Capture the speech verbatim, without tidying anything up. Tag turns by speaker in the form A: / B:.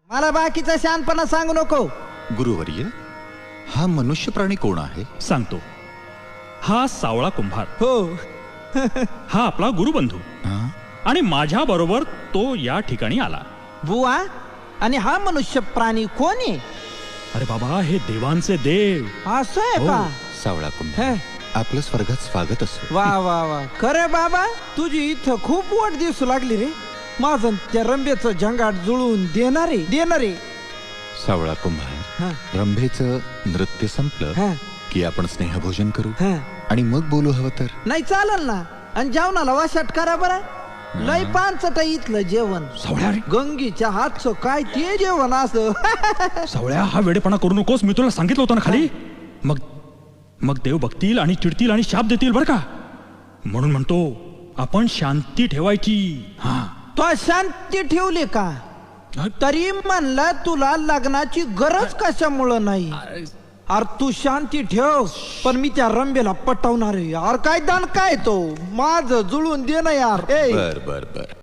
A: मला बाकीचा शानपणा सांगू नको.
B: गुरुवर्य, हा मनुष्य प्राणी कोण आहे?
C: सांगतो. हा सावळा कुंभार,
A: हो.
C: हा आपला गुरुबंधू,
B: हा?
C: आणि माझ्या बरोबर तो या ठिकाणी आला.
A: बुवा, आणि हा मनुष्य प्राणी कोण आहे?
C: अरे बाबा, हे देवांचे देव.
A: असं आहे
C: हो.
A: का?
B: सावळा कुंभार,
A: हे.
B: आपलं स्वर्गात स्वागत असो.
A: वा वा वा, खरे बाबा, तुझी इथं खूप वाट दिसू लागली रे. माझं त्या रंबेचं झंगाट जुळवून देणारे देणारे.
B: सावळा कुंभार,
A: हा,
B: रंभेचं नृत्य संपलं
A: हा,
B: की आपण स्नेहभोजन करू
A: हा.
B: आणि मग बोलू हवं तर.
A: नाही चालेल ना. आणि जेवणाला वाशाट करा बरं. लय पानचट इथलं जेवण.
C: सावळ्या रे,
A: गंगीच्या हातचं काय ते जेवण असं.
C: सावळ्या, हा वेडेपणा करू नकोस. मी तुला सांगितलं होतं ना खाली. मग मग देव बघतील आणि चिडतील आणि शाप देतील बरं का. म्हणून म्हणतो आपण शांती ठेवायची. हा,
A: तो शांती ठेवली का? तरी म्हणलं तुला लग्नाची गरज कशामुळं नाही. अरे तू शांती ठेव, पण मी त्या रंबेला पटवणार आहे यार. काय दान काय तो माझं जुळून दे ना यार. ए
B: बर बर बर